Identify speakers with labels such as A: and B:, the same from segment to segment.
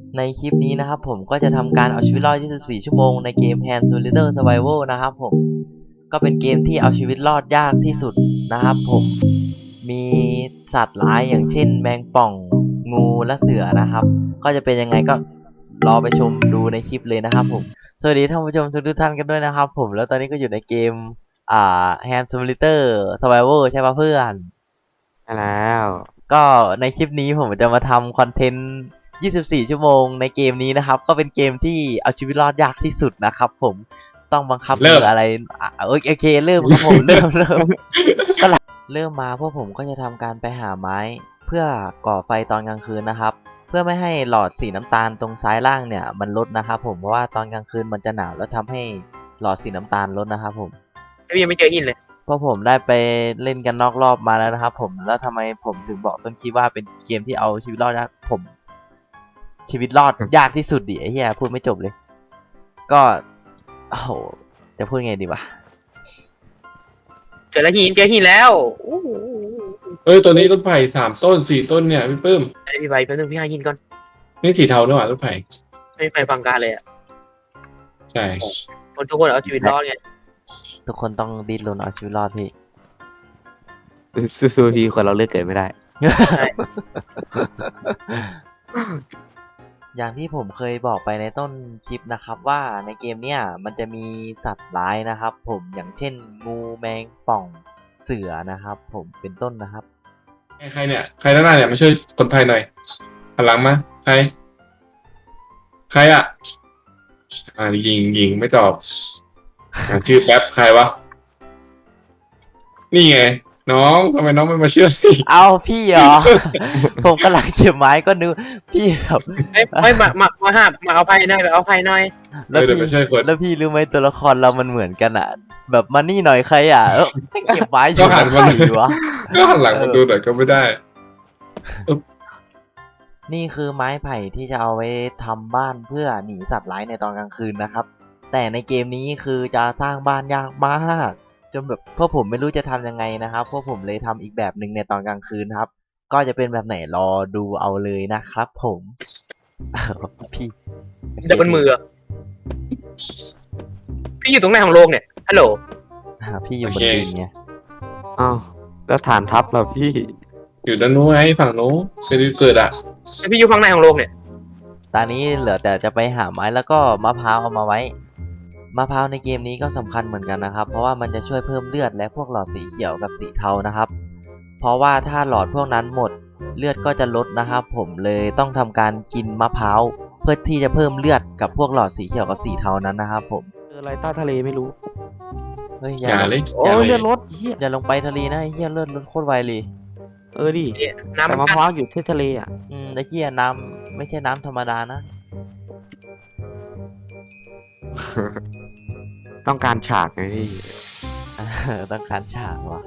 A: ในคลิปนี้นะครับผมก็จะทำการเอาชีวิตรอด 24 ชั่วโมงในเกม Hand Simulator Survival นะครับผมก็เป็นเกมที่เอาชีวิตรอดยากที่สุดนะครับผมมีสัตว์ร้ายอย่างเช่นแมงป่องงูและเสือนะครับก็จะเป็นยังไงก็รอไปชมดูในคลิปเลยนะครับผมสวัสดีท่านผู้ชมทุกท่านกันด้วยนะครับผมแล้วตอนนี้ก็อยู่ในเกมHand Simulator Survival ใช่ปะเพื่อน
B: ใช่แล้ว
A: ก็ในคลิปนี้ผมจะมาทำคอนเทนต์ 24 ชั่วโมงในเกมนี้นะครับก็เป็นเกมที่เอาชีวิตรอดยากที่สุดนะครับผมต้องบังคับมืออะไรโอเคเริ่มครับผมเริ่มเริ่มมาพวกผมก็จะทำการไปหาไม้เพื่อก่อไฟตอนกลางคืนนะครับเพื่อไม่ให้หลอดสีน้ำตาลตรงซ้ายล่างเนี่ยมันลดนะครับผมเพราะว่าตอนกลางคืนมันจะหนาวแล้วทำให้หลอดสีน้ำตาลลดนะครับผม
B: พี่ยังไม่เจอหินเลย
A: เพราะผมได้ไปเล่นกันนอกรอบมาแล้วนะครับผมแล้วทำไมผมถึงบอกต้นคลิปว่าเป็นเกมที่เอาชีวิตรอดยากผมชีวิตรอดยากที่สุดดิไอ้เหี้ยพูดไม่จบเลยก็โอ้โหจะพูดไงดีวะ
B: เจอแล้วเจอหินแล้วอู้หู
C: ตัวนี้ต้นไผ่3 ต้น4 ต้นเนี่ยพี่ปื้ม
B: ไอพี่ใบแป๊บนึงพี่หาหินก่อน
C: นี่สีเทาด้วยว่ะต้นไผ่
B: ไม่ไปฟังการเลยอ่ะ
C: ใช่
B: คนทุกคนเอาชีวิตรอดไง
A: ทุกคนต้องดิ้นรนเอาชีวิตรอดพี่
D: สู้ๆพี่คนเราเลือกเกิดไม่ได้
A: อย่างที่ผมเคยบอกไปในต้นคลิปนะครับว่าในเกมเนี้ยมันจะมีสัตว์ร้ายนะครับผมอย่างเช่นงูแมงป่องเสือนะครับผมเป็นต้นนะครับ
C: ใครเนี่ยใครด้านหน้าเนี่ยมาช่วยคนไผ่หน่อยหันหลังมาใครอ่ะยิงไม่ตอบชื่อแป๊บใครวะนี่ไงน้องทำไมน้องไม่มาช่วย
A: เอาพี่เหรอ ผมกำลังเก็บไม้ก็นึกพี่แบบ
B: ไม่มาเอาไพ่หน่อยไปเอาไพ่หน่อย
A: แล้ว
C: เดี๋ยว
A: พี่
C: ไปช่วยคน
A: แล้วพี่รู้ไหมตัวละครเรามันเหมือนกันอ่ะ แบบมานี่หน่อยใครอ่ะเก็บไม้อยู่
C: ก็หัน
A: ใค
C: มาร
A: วะ
C: ก็หันหลังมาดูหน่อยก็ไม่ได้
A: นี่คือไม้ไผ่ที่จะเอาไว้ทำบ้านเพื่อหนีสัตว์ร้ายในตอนกลางคืนนะครับ แต่ในเกมนี้คือจะสร้างบ้านยากมากจนแบบพวกผมไม่รู้จะทำยังไงนะครับพวกผมเลยทำอีกแบบหนึ่งในตอนกลางคืนครับ ก็จะเป็นแบบไหนรอดูเอาเลยนะครับผม พี่
B: เดี๋ยวบนมือพี่อยู่ตรงไหนของโลกเนี่ยฮัลโหล
A: พี่อยู่บนดินไง
D: อ้าวแล้วฐานทัพเราพี่
C: อยู่ด้านนู้นไงฝั่งนู้นคือเกิดอ่ะ
B: แล้วพี่อยู่ฝั่งไหนของโลกเนี่ย
A: ตอนนี้เหลือแต่จะไปหาไม้แล้วก็มะพร้าวเอามาไว้มะพร้าวในเกมนี้ก็สำคัญเหมือนกันนะครับเพราะว่ามันจะช่วยเพิ่มเลือดและพวกหลอดสีเขียวกับสีเทานะครับเพราะว่าถ้าหลอดพวกนั้นหมดเลือดก็จะลดนะครับผมเลยต้องทำการกินมะพร้าวเพื่อที่จะเพิ่มเลือดกับพวกหลอดสีเขียวกับสีเทานั้นนะครับผม
D: เจออะไรใต้ทะเลไม่รู้
A: เฮ้ยอ
C: อย่าเลย
D: โอ้
C: อย่า
D: ย
C: เล
D: เลือย ดรถเฮีย
A: อย่าลงไปทะเลนะไอ้เหี้ยเลือดลดโคตรไวเลย
D: ดิ
B: น้ำ
D: แต่
B: มัน
D: มะพร้าวอยู่ที่ทะเลอ่ะ
A: ไอ้เหี้ยน้ำไม่ใช่น้ำธรรมดานะ
D: ต้องการฉากไงพี่
A: ต้องการฉากว่ะ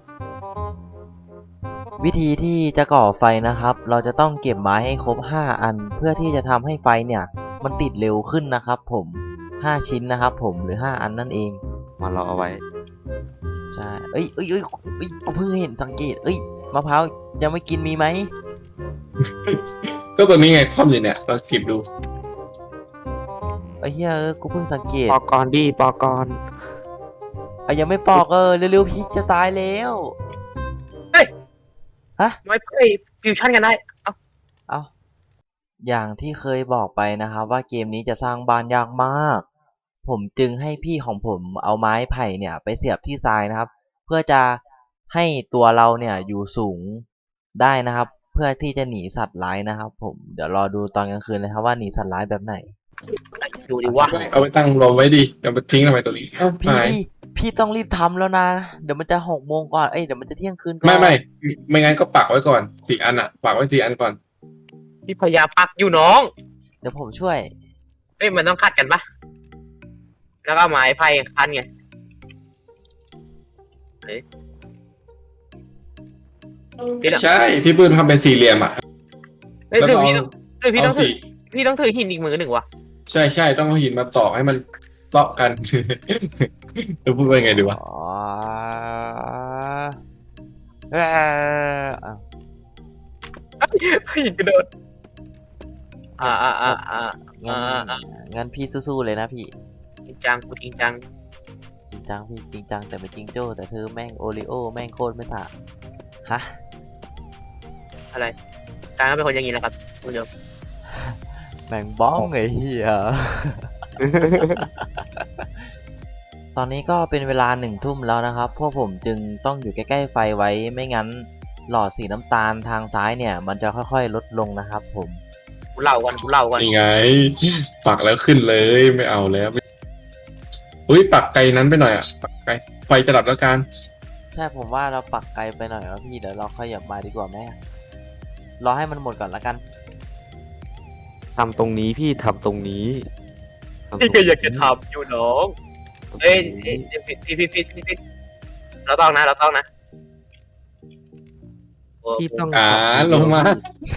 A: วิธีที่จะก่อไฟนะครับ เราจะต้องเก็บไม้ให้ครบ5อันเพื่อที่จะทำให้ไฟเนี่ยมันติดเร็วขึ้นนะครับผม5ชิ้นนะครับผมหรือ5อันนั่นเอง
D: มารอเอาไว้
A: ใช่เอ้ยกูเพิ่งเห็นสังเกตมะพร้าวยังไม่กินมีไหม
C: ก็ตัวนี้ไงคว่ำอยู่เนี่ยเราเก็บดู
A: ไอ้เหี้ยกูเพิ่งสังเกต
D: ปอกรดิปอกร
A: ยังไม่ปอกเร็วๆพี่จะตายแล้ว
B: ไม่ไปฟิวชั่นกันได้
A: เอาอย่างที่เคยบอกไปนะครับว่าเกมนี้จะสร้างบ้านยากมาก ผมจึงให้พี่ของผมเอาไม้ไผ่เนี่ยไปเสียบที่ทรายนะครับ เพื่อจะให้ตัวเราเนี่ยอยู่สูงได้นะครับ เพื่อที่จะหนีสัตว์ร้ายนะครับ ผมเดี๋ยวรอดูตอนกลางคืนเลยครับว่าหนีสัตว์ร้ายแบบไหน
B: ดูดิว่า
C: เอาไปตั้งรอไว้ดิเอาไปทิ้งทำไมตัวนี้เอ้า
A: พี่
C: หาย
A: พี่ต้องรีบทำแล้วนะ เดี๋ยวมันจะ6 โมงก่อนเดี๋ยวมันจะเที่ยงคืนก่อน
C: ไม่งั้นก็ปักไว้ก่อน4 อันอ่ะปักไว้4 อันก่อน
B: พี่พยาปักอยู่น้อง
A: เดี๋ยวผมช่วย
B: มันต้องคัดกันปะแล้วก็ไม้ไพ่คันไงพี่ต้อง
C: ใช่พี่ปื้มทำเป็น4 เหลี่ยมอ่ะ
B: เฮ้ย
C: แล้ว
B: ถื
C: ก็
B: อ
C: เอา
B: พี่ต้องถือ
C: เอาสี
B: พี่ต้องถือหินอีกมือหนึ่งวะ
C: ใช่ต้องเอาหินมาตอกให้มันเตาะกัน จะพูดว่าไงดีวะ
A: อ๋อเอ่อ
B: หินกระโดด
A: งั้นงั้นพี่สู้ๆเลยนะพี่
B: จริงจังกูจริงจัง
A: จริงจังพี่จริงจังแต่เป็นจริงโจ้แต่เธอแม่งโอริโอแม่งโคตรไม่สะฮะ
B: อะไรการก็เป็นคนอย่างนี้แหละครับคุณผู้ชม
A: แม่งบ้องไอ้เหี้ย ตอนนี้ก็เป็นเวลา1 ทุ่มแล้วนะครับ พวกผมจึงต้องอยู่ใกล้ๆไฟไว้ไม่งั้นหลอดสีน้ำตาลทางซ้ายเนี่ย มันจะค่อยๆลดลงนะครับผม
B: กูเล่าก่อนกูเล่าก่อน
C: ยังไง ปักแล้วขึ้นเลยไม่เอาแล้วอุ้ยปักไกลนั้นไปหน่อยอ่ะปักไกลไฟจะดับแล้วกัน
A: ใช่ผมว่าเราปักไกลไปหน่อยวะพี่เดี๋ยวเราขยับมาดีกว่าไหมรอให้มันหมดก่อนละกัน
D: ทำตรงนี้พี่ทำตรงนี้ทำตรง
B: พี่ก็อยากจะทำอยู่น้องเอ้ยพี่เราต้องนะโอ้
D: พี่ต้อง
C: ลงมา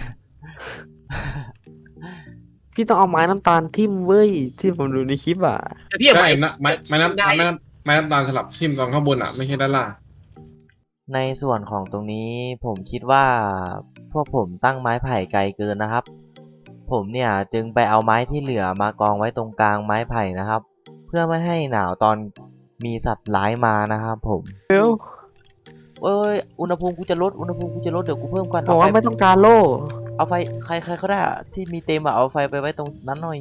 D: พี่ต้องเอาไม้น้ำตาลทิ่มเว้ยที่ผมดูในคลิปอ่ะ
B: แต่พี่อย่า
C: ใช่
B: ไป
C: นะไม้น้ำตาลสลับทิ่มตอนข้างบนอ่ะไม่ใช่ด้านล่าง
A: ในส่วนของตรงนี้ผมคิดว่าพวกผมตั้งไม้ไผ่ไกลเกินนะครับ ผมเนี่ยจึงไปเอาไม้ที่เหลือมากองไว้ตรงกลางไม้ไผ่นะครับ เพื่อไม่ให้หนาวตอนมีสัตว์ร้ายมานะครับผม
D: เร็ว
A: เอ้ยอุณหภูมิกูจะลดเดี๋ยวกูเพิ่มก่อน
D: บอกว่าไม่ต้องการโล่
A: เอาไฟใครเขาได้อะที่มีเต็มอะเอาไฟไปไว้ตรงนั้นหน่อย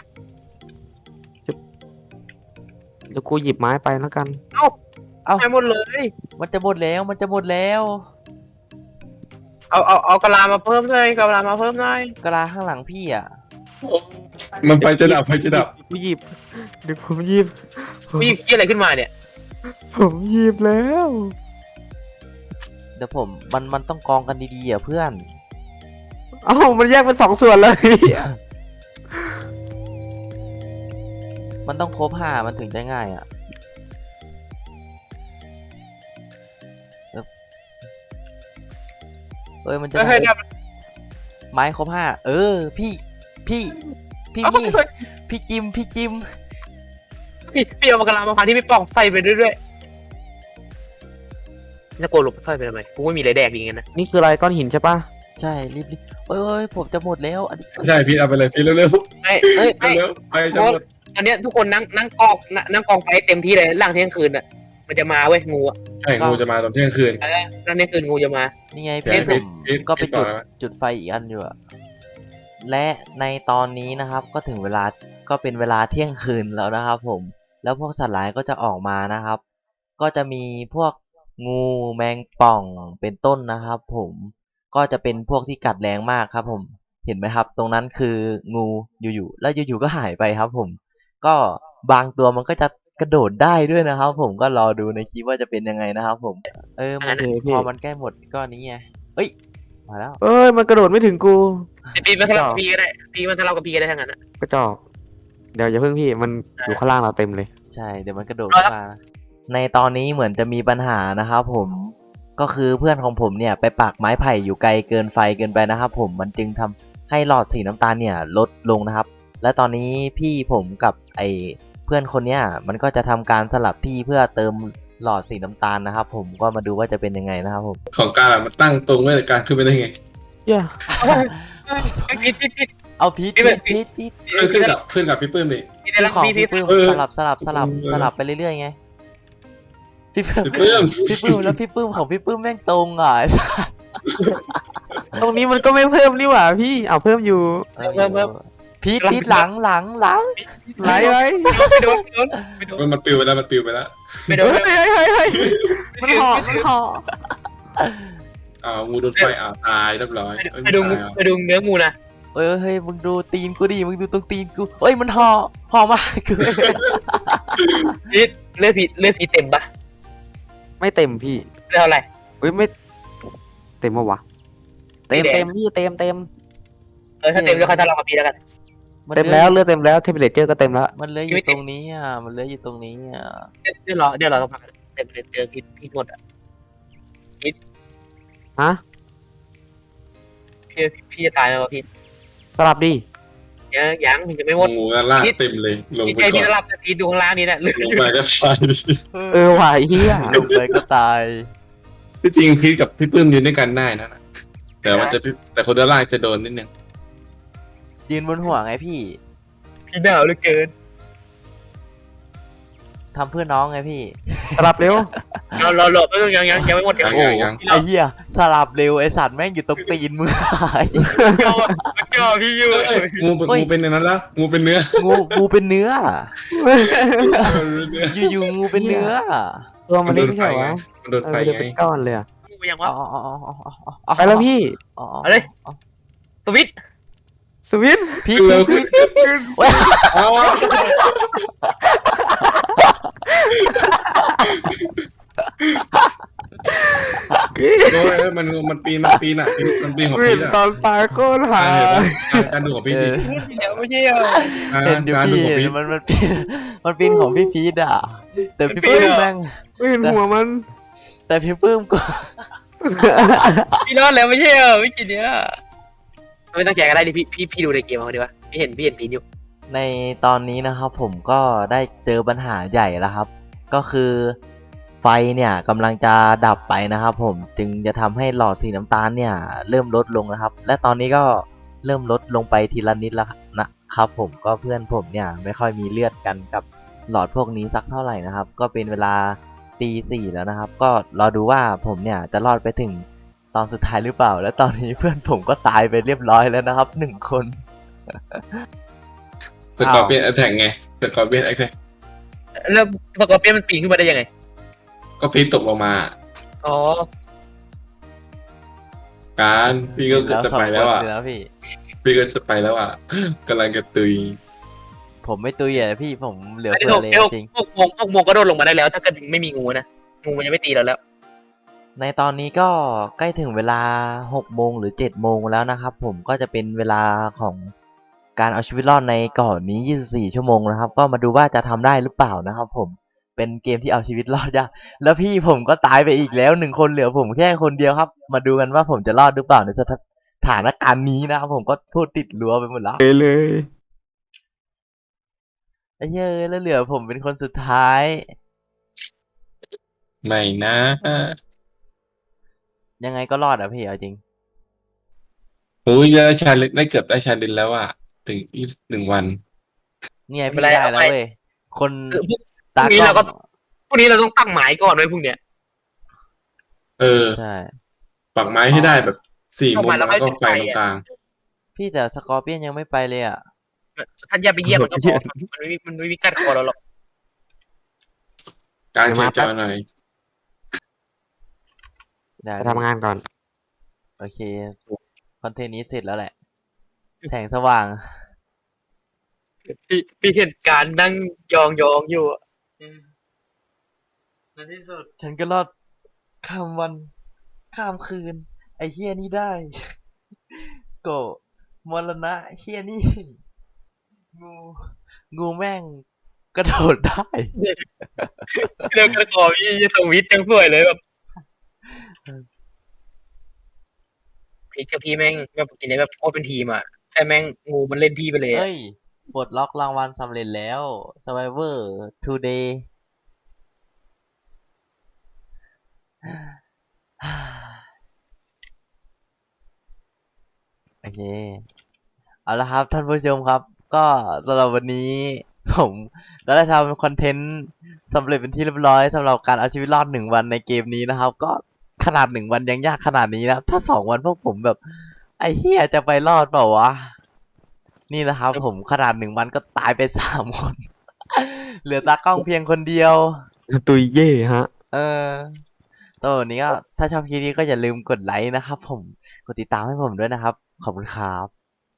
D: เดี๋ยวกูหยิบไม้ไปแล้วกัน
A: เอ้า
B: ไปหมดเลย
A: มันจะหมดแล้ว
B: เอากะลามาเพิ่มเลยกะลามาเพิ่มหน่อย
A: กะลาข้างหลังพี่อะ
C: มันไฟจะดับไฟจะดับ
D: กูหยิบเดี๋ยวผมหยิบ
B: พี่คิดอะไรขึ้นมาเนี่ย
D: ผมหยิบแล้ว
A: เดี๋ยวผมมันต้องกองกันดีๆอะเพื่อน
D: เอ้ามันแยกเป็น2 ส่วนเลย
A: มันต้องครบ5มันถึงจะง่ายอะเอ้ยมันจะ
B: เฮ้ย
A: ได้ไม้ครบ5พี่พี่จิม
B: พี่เอากะลามาพันที่ไม่ป่องใส่ไปเรื่อยๆจะโกนหลบใส่ไปทำไมกูไม่มีอะไรแดกดีงั้นนะ
D: นี่คืออะไรก้อนหินใช่ปะ
A: ใช่รีบเอ้ยผมจะหมดแล้วอันนี้
C: ใช่พี่เอาไปเลยพี่เร็ว
B: เอ้ย
C: ๆเร็วๆไฟจะหมด
B: ตอนเนี้ยทุกคนนั่งกองไฟเต็มที่เลยหลังเที่ยงคืนอ่ะมันจะมาเว้ยงูอ่ะ
C: ใช่งูจะมาตอนเที่ยงคืน
B: หลังเที่ยงคืนงูจะมา
A: นี่ไง
C: เดี๋ยว
A: พี่
C: ให้
A: ผมก็ไป
C: ต่อนะ
A: จุดไฟอีกอันอยู่อะและในตอนนี้นะครับก็ถึงเวลาก็เป็นเวลาเที่ยงคืนแล้วนะครับผมแล้วพวกสัตว์ร้ายก็จะออกมานะครับ ก็จะมีพวกงูแมงป่องเป็นต้นนะครับผมก็จะเป็นพวกที่กัดแรงมากครับผมเห็นไหมครับ ตรงนั้นคืองูอยู่ๆแล้วอยู่ๆก็หายไปครับผมก็บางตัวมันก็จะกระโดดได้ด้วยนะครับผมก็รอดูในคลิปว่าจะเป็นยังไงนะครับผมมัน
D: โอเคพี่
A: พอมันใกล้หมดก็นี้ไงเอ้ยมาแล้ว
D: เอ้ยมันกระโดดไม่ถึงกู
B: ปีมันสลับกับพีก็ได้ปีมันสลับกับพีก็ได้ทั้งนั้นอ่ะ
D: กระจอกเดี๋ยวอย่าเพิ่งพี่มันอยู่ข้างล่างเราเต็มเลย
A: ใช่เดี๋ยวมันกระโดด
B: เอาละ
A: มาในตอนนี้เหมือนจะมีปัญหานะครับผมก็คือเพื่อนของผมเนี่ยไปปักไม้ไผ่อยู่ไกลเกินไฟเกินไปนะครับผมมันจึงทำให้หลอดสีน้ำตาลเนี่ยลดลงนะครับ และตอนนี้พี่ผมกับไอเพื่อนคนเนี้ยมันก็จะทำการสลับที่เพื่อเติมหลอดสีน้ำตาลนะครับผมก็มาดูว่าจะเป็นยังไงนะครับผม
C: ของการอะมันตั้งตรงไว้แต่การขึ้นไปได้ไง
D: เย้
B: พี
A: เอาพีท
C: ขึ้นกับพี่ปื้มดิ
B: พีได้
A: พี่
B: แล้ว
A: ของ
B: พี
A: พี่ปื้ม
C: เออ
A: สลับไปเรื่อยๆไงพี่ปื้ม
C: พี่ปื้ม
A: พี่ปื้มแล้วพี่ปื้มของพี่ปื้มแม่งตรงอ่ะ
D: ตรงนี้มันก็ไม่เพิ่มนี่หว่าพี่เอาเพิ่มอยู่
A: พีทหลัง
D: ไหลไหล
B: ไม่โดน
C: มันปลิวไปแล้วมันปลิวไปแล้ว
B: ไม่โด
D: เฮ้
B: น
D: ยเฮ้ยเฮ้ยมันห่อมันห่อ
C: งูโดนไฟตายเรียบร้อย
B: ไปดูเนื้องูนะ
A: เฮ้ยมึงดูตีนกูดิมึงดูตรงตีนกูเฮ้ยมันห่อมากคือ
B: เลือดพีเต็มปะ
D: ไม่เต็มพี่
B: เลือดเท่าไหร่
D: เฮ้ยไม่เต็มปะวะเต็ม
B: ไม่แดง
D: เต็มพี่เต็ม
B: ถ้าเต็มก็ค่อยทะเลาะกับพีแล้วกัน
D: เต็มแล้วเลือดเต็มแล้วเทมเพลเจอร์ก็เต็มแล้ว
A: มันเหลืออยู่ตรงนี้อ่ะมันเหลืออยู่ตรงนี้อ่ะ
B: เดี๋ยวเราต้องพักเต็มเลยเจอพีหมดอ่ะ
D: ฮะ
B: พี่จะตายแล้วพี
D: สลับดิ
B: ยังพีจะไม่หมด
C: งูด้านล่างเต็มเลยลง
B: พี่
C: ไป
B: ใจ
C: ก่
B: พี่
C: อน
B: จะรับพีดูข้างล่างนี้แหละ
C: ลงไปก็ตาย
D: ไหวเฮีย
A: ลงไปก็ตาย
C: ที่จริงพีทกับพี่ปื้มยืนด้วยกันได้นะแต่มันจะแต่คนด้านล่างจะโดนนิดนึง
A: ยืนบนหัวไงพี่
B: พี่หนาวเหลือเกิน
A: ทำเพื่อน้องไงพี่
D: สลับเร็ว
B: เราหลบไม่ต้องยังไม่หมด
C: ยัง
A: โอ้
C: ยัง
A: ไอ้เหี้ยสลับเร็วไอ้สัตว์แม่งอยู่ตรงตีนมึง
B: ก็พี่อยู่
C: เอ้ยงูเป็น
A: เฮ้ย
C: งูเป็นในนั้นแล้วงูเป็นเนื้อ
A: งูเป็นเนื้อ
C: เนื้อ
A: อยู่ๆงูเป็นเนื้อ
D: ตัวมันเล็กไม่ใช่เหรอวะ
C: มันโดน
D: เอ
C: ไฟ
D: อเดี๋ยว
C: ไง
D: เป็นก้อนเลยอะ
B: งูยัง
A: อ๋
B: วะ
A: อ
D: ไปแล้วพี่
B: เอาเลย สวิต
D: สวิตช์
A: พี่
C: เร็ว
A: พี่
C: ขึ้น
A: เว้ย
C: อ๋อ โอ้ยมันปีนอ่ะมันปีนของ
D: วิ
C: พี
D: น
C: ทอ่ะ
D: ตอนตายโคตรหา
C: การดูของพีท
A: เอ
C: ดิ
A: อ
B: เดี๋ยวไม่ใช่เหรอ
A: เห็นอยู่
C: การดู
A: พี่
C: ของพีท
A: มันเป็นของพี่พีทอ่ะ แต่พี่ปื้มแม่ง
D: วินหัวมัน
A: แต่พี่ปื้มก็
B: พี่รอดแล้วไม่ใช่เหรอไม่กี่เนี้ยไม่ต้องแจกก็ได้ดิพี่ดูในเกมเอาดีวะพี่เห็นพีนอยู่
A: ในตอนนี้นะครับผมก็ได้เจอปัญหาใหญ่แล้วครับ ก็คือไฟเนี่ยกำลังจะดับไปนะครับผมจึงจะทำให้หลอดสีน้ำตาลเนี่ยเริ่มลดลงนะครับ และตอนนี้ก็เริ่มลดลงไปทีละนิดแล้วนะครับผมก็เพื่อนผมเนี่ยไม่ค่อยมีเลือดกันกับหลอดพวกนี้สักเท่าไหร่นะครับ ก็เป็นเวลาตี 4แล้วนะครับ ก็รอดูว่าผมเนี่ยจะรอดไปถึงตอนสุดท้ายหรือเปล่า และตอนนี้เพื่อนผมก็ตายไปเรียบร้อยแล้วนะครับ1 คน
C: สกอร์เปียนแอทแทกไงสกอร์เปียนแอทแทก
B: แล้วสกอร์เปียนมันปีนขึ้นมาได้ยังไง
C: ก็พีทตกลงมา
B: อ๋อ
C: การพี่ก็จะไปแล้วอ่ะ
A: 2 คนนะพี่
C: พี่ก็จะไปแล้วอ่ะกำลังจะตุย
A: ผมไม่ตุยอ่ะพี่ผมเหลือ
B: ไอ้
A: เฟื
B: พว
A: อก เลยจริง
B: พวกโมก็โดนลงมาได้แล้ว ถ้าเกิดไม่มีงูนะงูมันยังไม่ตีเราแล้ว
A: ในตอนนี้ก็ใกล้ถึงเวลา6 โมงหรือ7 โมงแล้วนะครับผมก็จะเป็นเวลาของการเอาชีวิตรอดในเกาะนี้24 ชั่วโมงนะครับ ก็มาดูว่าจะทำได้หรือเปล่านะครับผมเป็นเกมที่เอาชีวิตรอดยากแล้วพี่ผมก็ตายไปอีกแล้ว1 คนเหลือผมแค่คนเดียวครับ มาดูกันว่าผมจะรอดหรือเปล่าในสถานการณ์นี้นะครับผมก็พูดติดรั้วไปหมดแล้ว
D: เลย
A: ไอ้เหี้ยแล้วเหลือผมเป็นคนสุดท้าย
C: ไม่นะ
A: ยังไงก็รอดอ่ะพี่เอาจริง
C: โอ้ยได้ชาเลนได้เกือบได้ชาเลนแล้วอ่ะถึง21 วัน
A: เนี่ย
B: ไม่
A: พี่
B: เป็นไร
A: ได้
B: เอา
A: แล้ว
B: ไป
A: เว้ยคน
B: พรุ่ง
A: ตา
B: นี้
A: กล้
B: เรา
A: อ
B: ก็
A: ง
B: พรุ่งนี้เราต้องตั้งหมายก่อนไว้พรุ่งเนี้ย
C: เออ
A: ใช่
C: ปักไม้ให้ได้แบบ4 มุม
B: เข้ามาแล้
C: แล้ว ว
B: ไม่
C: ก็
B: ติด
C: ไฟ
B: ไฟ
C: ตรง
B: อะ
C: กลาง
A: พี่แต่สกอร์เปียนยังไม่ไปเลยอ่ะ
B: ท่านอย่าไปเยี่ยมมันก็พอมันไม่มีกัดคอเราหรอก
C: การแชร์จอหน่อย
A: ได้
D: ไปทำงานก่อน
A: โอเคคอนเทนต์นี้เสร็จแล้วแหละ แสงสว่าง
B: พี่เห็นการนั่งยองอยู่อะ
A: ในที่สุดฉันก็รอดข้ามวันข้ามคืน ไอ้เฮียนี่ได้ โกะมรณะเฮียนี่ งูแม่งกระโดดได้
B: เรื่องกัดคอพี่สวิตช์ยังสวยเลยแบบพี่แม่งแบบกินได้แบบโคตรเป็นทีมอ่ะแต่แม่งงูมันเล่นพี่ไปเลยอะ
A: เฮ้ยปลดล็อกรางวัลสำเร็จแล้ว Survivor Today โอเค เอาละครับท่านผู้ชมครับ ก็สำหรับวันนี้ ผมก็ได้ทำคอนเทนต์สำเร็จเป็นที่เรียบร้อยสำหรับการเอาชีวิตรอด1 วันในเกมนี้นะครับ ก็ขนาด1 วันยังยากขนาดนี้นะถ้า2 วันพวกผมแบบ ไอ้เหี้ยจะไปรอดเปล่าวะ นี่นะครับผมขนาด1 วันก็ตายไป3 คน เหลือตากล้องเพียงคนเดียว
D: ตุยเย่ฮะ
A: ตัววันนี้ก็ถ้าชอบคลิปนี้ก็อย่าลืมกดไลค์นะครับผมกดติดตามให้ผมด้วยนะครับ ขอบคุณครับ